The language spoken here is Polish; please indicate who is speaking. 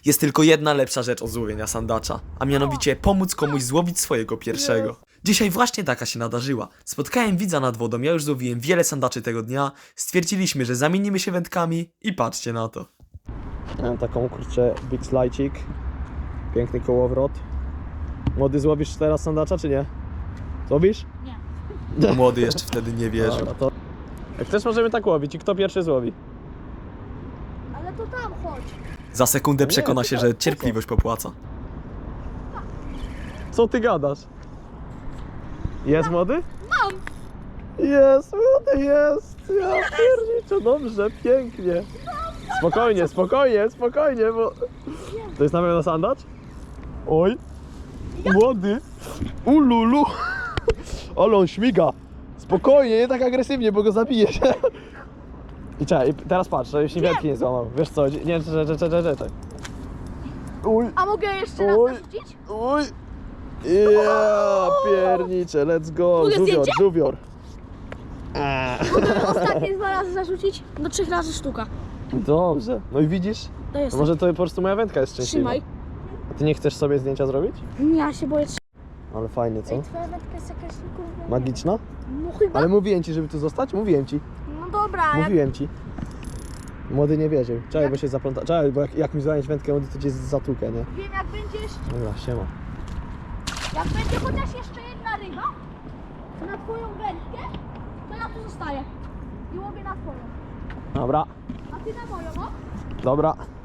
Speaker 1: Jest tylko jedna lepsza rzecz od złowienia sandacza, a mianowicie pomóc komuś złowić swojego pierwszego. Dzisiaj właśnie taka się nadarzyła. Spotkałem widza nad wodą, ja już złowiłem wiele sandaczy tego dnia, stwierdziliśmy, że zamienimy się wędkami i patrzcie na to.
Speaker 2: Mam taką, kurczę, big slajcik. Piękny kołowrot. Młody, złowisz teraz sandacza, czy nie? Złowisz?
Speaker 3: Nie.
Speaker 1: Młody jeszcze wtedy nie wierzył.
Speaker 2: Dobra, to... Jak też możemy tak łowić i kto pierwszy złowi?
Speaker 3: Ale to tam chodź.
Speaker 1: Za sekundę
Speaker 2: Nie,
Speaker 1: przekona się,
Speaker 2: tutaj,
Speaker 1: że cierpliwość popłaca.
Speaker 2: Co ty gadasz? Jest młody?
Speaker 3: Mam.
Speaker 2: Jest, młody, jest! Ja pierniczę, dobrze, pięknie. Spokojnie, spokojnie, spokojnie, bo... To jest na pewno sandacz? Oj! Młody! Ululu! Ale on śmiga! Spokojnie, nie tak agresywnie, bo go zabijesz. I czekaj, teraz patrz, żebyś wędki nie złamał. Wiesz co, nie, czekaj. Uj,
Speaker 3: A mogę jeszcze raz
Speaker 2: Oj.
Speaker 3: narzucić?
Speaker 2: uj! Ja pierniczę, let's go!
Speaker 3: Mogę
Speaker 2: Żuwior,
Speaker 3: zdjęcie?
Speaker 2: żuwior!
Speaker 3: Mogę ostatnie 2 razy zarzucić? Do 3 razy sztuka.
Speaker 2: Dobrze, no i widzisz?
Speaker 3: To jest.
Speaker 2: Może to po prostu moja wędka jest szczęśliwa.
Speaker 3: Trzymaj.
Speaker 2: A ty nie chcesz sobie zdjęcia zrobić?
Speaker 3: Ja się boję.
Speaker 2: Ale fajnie, co?
Speaker 3: Ej, twoja wędka jest jakaś kurwa.
Speaker 2: Magiczna?
Speaker 3: No chyba.
Speaker 2: Ale mówiłem ci, żeby tu zostać? Mówiłem ci.
Speaker 3: No dobra, jak...
Speaker 2: Mówiłem ci. Młody nie wierzył. Czekaj, bo się zapląta. Czekaj, bo jak mi zająć wędkę, młody to cię zatłukę, nie?
Speaker 3: wiem jak będziesz.
Speaker 2: Dobra, siema.
Speaker 3: Jak będzie chociaż jeszcze jedna ryba na twoją wędkę, to ja tu zostaję. I łowię na twoją.
Speaker 2: Dobra,
Speaker 3: A ty na moją, no?
Speaker 2: dobra.